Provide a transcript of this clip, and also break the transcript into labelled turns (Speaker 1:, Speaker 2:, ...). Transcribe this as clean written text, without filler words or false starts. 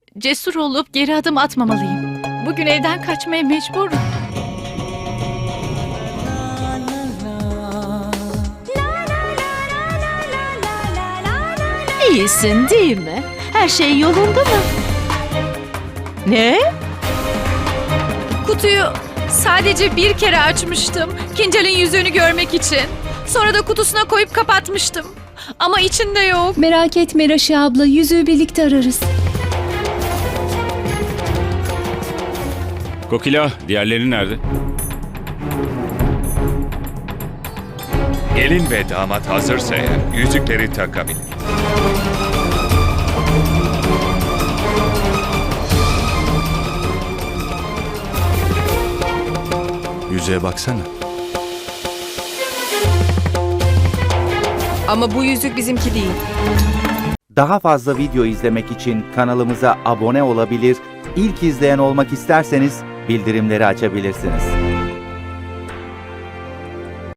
Speaker 1: cesur olup geri adım atmamalıyım. Bugün evden kaçmaya mecburum. İyisin değil mi? Her şey yolunda mı? Ne?
Speaker 2: Kutuyu sadece bir kere açmıştım. Kinjal'in yüzüğünü görmek için. Sonra da kutusuna koyup kapatmıştım. Ama içinde yok.
Speaker 3: Merak etme Raşi abla, yüzüğü birlikte ararız.
Speaker 4: Kokila, diğerleri nerede?
Speaker 5: Gelin ve damat hazırsa eğer yüzükleri takabilir.
Speaker 6: Yüzüğe baksana.
Speaker 2: Ama bu yüzük bizimki değil.
Speaker 7: Daha fazla video izlemek için kanalımıza abone olabilir, ilk izleyen olmak isterseniz bildirimleri açabilirsiniz.